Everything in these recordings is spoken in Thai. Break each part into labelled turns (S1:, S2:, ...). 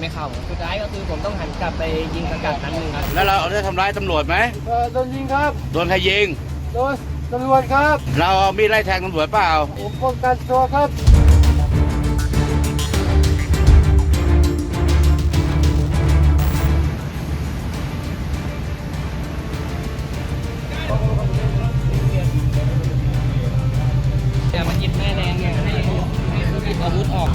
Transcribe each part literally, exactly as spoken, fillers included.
S1: ไม่เข้าสุดท้ายก็คือผมต้องหันกลับไปยิงสกัดนัดหนึ่งครับ
S2: แล้วเราได้ทำร้ายตำรวจไหม
S3: เออโดนยิงครับ
S2: โดนใครยิง
S3: โดนตำรวจครับ
S2: เราเอามีดไล่แทงตำรวจเปล่า
S3: ผมป้องกันตัวครับ
S1: แต่มันหยิบแม่แรงเนี่ยให้ให้ผู้หยิบอาวุธออก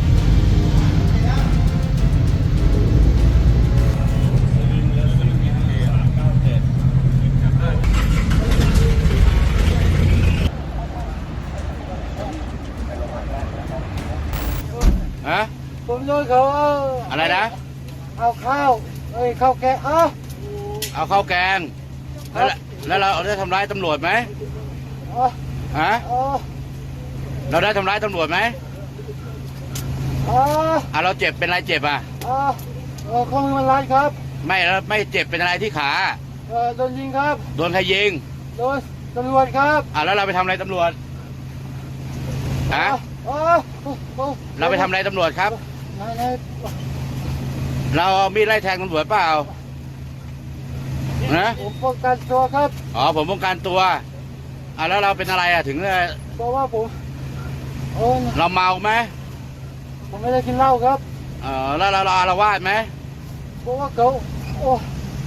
S2: ฮะ
S3: ผมโดนเขาเอา
S2: อะไรนะ
S3: เอาข้าวเอ้ยข้าวแกงเอา
S2: เอาข้าวแกงแล้วแล้วเราได้ทำร้ายตำรวจไหมฮะเราได้ทำร้ายตำรวจไหมอ่าเราเจ็บเป็นอะไรเจ็บอ่ะ
S3: อ่าเออข้อมือมันรัดครับ
S2: ไม่แล้วไม่เจ็บเป็นอะไรที่ขา
S3: เออโดนยิงครับ
S2: โดนใครยิง
S3: โดนตำรวจครับ
S2: อ่าแล้วเราไปทำอะไรตำรวจฮะเราไปทำอะไรตำรวจครับเราเอามีดไล่แทงตำรวจเปล่านะ
S3: ผมป้องกันตัวครับ
S2: อ๋อผมป้องกันตัวอ่าแล้วเราเป็นอะไรอ่ะถึง
S3: เพราะว่าผม
S2: เราเมาไหม
S3: ผมไม่ได้กินเหล้าครับ
S2: เออแล้วเราเราอาละวาดไหม
S3: เพราะว่าเขาโอ้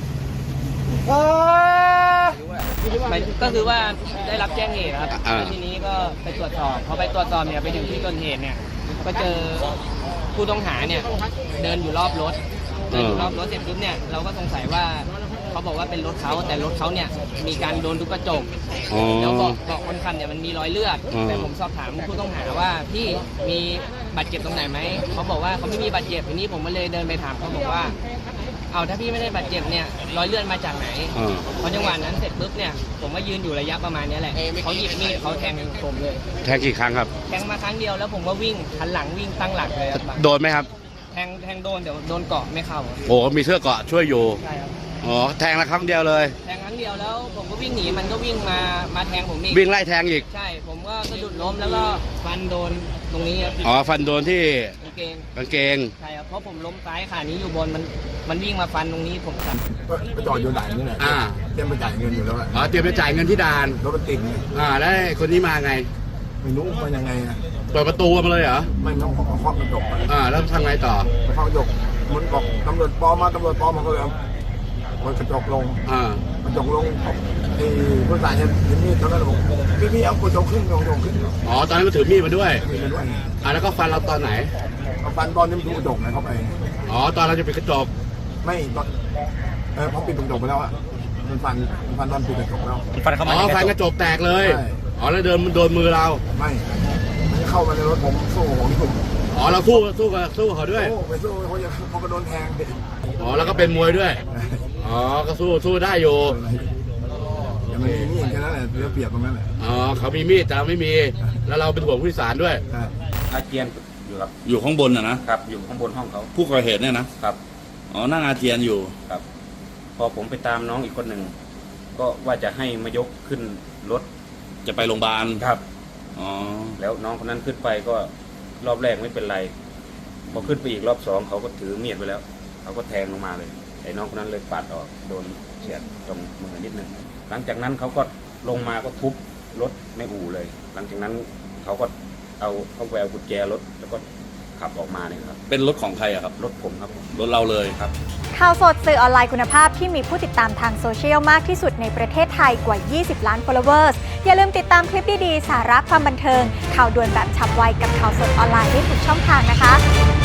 S1: ก็คือว่าได้รับแจ้งเหตุครับทีนี้ก็ไปตรวจสอบพอไปตรวจสอบเนี่ยไปถึงที่เกิดเหตุเนี่ยก็เจอผู้ต้องหาเนี่ยเดินอยู่รอบรถเดินอยู่รอบรถเสร็จปุ๊บเนี่ยเราก็สงสัยว่าเขาบอกว่าเป็นรถเขาแต่รถเขาเนี่ยมีการโดนทุบกระจกแล้วบอกบอกคนขับเนี่ยมันมีรอยเลือดแต่ผมสอบถามผู้ต้องหาว่าพี่มีบาดเจ็บตรงไหนไหมเขาบอกว่าเขาไม่มีบาดเจ็บทีนี้ผมก็เลยเดินไปถามเขาบอกว่าเอาถ้าพี่ไม่ได้บาดเจ็บเนี่ยรอยเลือดมาจากไหนพอจังหวะนั้นเสร็จปุ๊บเนี่ยผมก็ยืนอยู่ระยะประมาณนี้แหละเขาหยิบมีดเขาแทงผมเลย
S2: แทงกี่ครั้งครับ
S1: แทงมาครั้งเดียวแล้วผมก็วิ่งหันหลังวิ่งตั้งหลักเลย
S2: โดนไหมครับ
S1: แทงแทงโดนเดี๋ยวโดนเกาะไม่เข้า
S2: โอ้มีเสื้อเกาะช่วยอยู่
S1: ใช่ครับ
S2: อ๋อแทงละครั้งเดียวเลย
S1: แทงครั้งเดียวแล้วผมก็วิ่งหนีมันก็วิ่งมามาแทงผมอีก
S2: วิ่งไล่แทงอีก
S1: ใช่ผมก็สะดุดล้มแล้วก็ฟันโดนตรงนี้ครับ
S2: อ๋อฟันโดนที่
S1: กางเกง
S2: กางเกง
S1: ใช่ครับเพราะผมล้มซ้ายขานี้อยู่บนมันมันวิ่งมาฟันตรงนี้ผมสั่น
S4: ไปจอดอยู่ไหนนี่แหละ
S2: อ่า
S4: เตรียมไปจ่ายเงินอยู่แล้ว
S2: อ๋อเตรียมไปจ่ายเงินที่ด่าน
S4: รถมันติด
S2: อ่าแล้วคนนี้มาไง
S4: ไม่รู้มันยังไงอ่ะ
S2: เปิดประตูมาเลยเหรอ
S4: ไม่ต้องขอเคาะกระจก
S2: อ่าแล้วทำไงต่อ
S4: เคาะกระจกมันบอกตำรวจปลอมมาตำรวจปลอมมาก็เลยมันกระจกลง
S2: อ่าก
S4: ระจกลงไอ้ผู้ชายเห็นเห็นมีดตอนนั้นบอกพี่พี่เอากระจกขึ้นกระจกขึ้น
S2: อ๋อตอนนั้นก็ถือมีดมาด้วย
S4: มีดมาด้วย
S2: อ่าแล้วก็ฟันเราตอนไหน
S4: ฟันตอนนี้มันถูกกระจกไหนเข้าไป
S2: อ๋อตอนเราจะปิดกระจก
S4: ไม่ตอนเออพอปิดกระจกไปแล้วอ่ะมันฟันมันฟันตอนปิดกระจกแล้ว
S2: ฟันเข้ามาอ๋อฟันกระจกแตกเลยอ๋อแล้วเดินมันโดนมือเรา
S4: ไม่มันเข้ามาในรถผมสู้ผมถูก
S2: อ๋อเราสู้สู้กับสู้เขาด้วย
S4: ไปสู้เขาจะเขาก็โดนแทง
S2: อ๋อแล้วก็เป็นมวยด้วยอ๋อก็สู้สู้ได้อยู่
S4: แต่มันมีมีดแค่นั้นแหละเปรียบตรงนั้นแหละ
S2: อ๋อเขามีมีดแต่ไม่มีแล้วเราเป็นห่วงผู้โดยสารด้วย
S5: อาเจียนอยู่ครับ
S2: อยู่ข้างบนอ่ะนะครับ
S5: อยู่ข้างบนห้องเขา
S2: ผู้ก่อเหตุเนี่ยนะครับอ๋อนั่งอาเจียนอยู่
S5: ครับพอผมไปตามน้องอีกคนหนึ่งก็ว่าจะให้มายกขึ้นรถ
S2: จะไปโรงพยาบาล
S5: ครับ
S2: อ๋อ
S5: แล้วน้องคนนั้นขึ้นไปก็รอบแรกไม่เป็นไรพอขึ้นไปอีกรอบสองเขาก็ถือมีดไปแล้วเขาก็แทงลงมาเลยไอ้น้องคนนั้นเลยปัดออกโดนเฉียดตรงมือนิดนึงหลังจากนั้นเขาก็ลงมาก็ทุบรถในอู่เลยหลังจากนั้นเขาก็เอาเขาแววกุญแจรถแล้วก็ขับออกมาเนี่ยครับ
S2: เป็นรถของใครอะครับ
S5: รถผมครับ
S2: รถเราเลย
S5: ครับ
S6: ข่าวสดสื่อออนไลน์คุณภาพที่มีผู้ติดตามทางโซเชียลมากที่สุดในประเทศไทยกว่ายี่สิบล้าน followers อย่าลืมติดตามคลิปดีๆสาระความบันเทิงข่าวด่วนแบบฉับไวกับข่าวสดออนไลน์ได้ทุกช่องทางนะคะ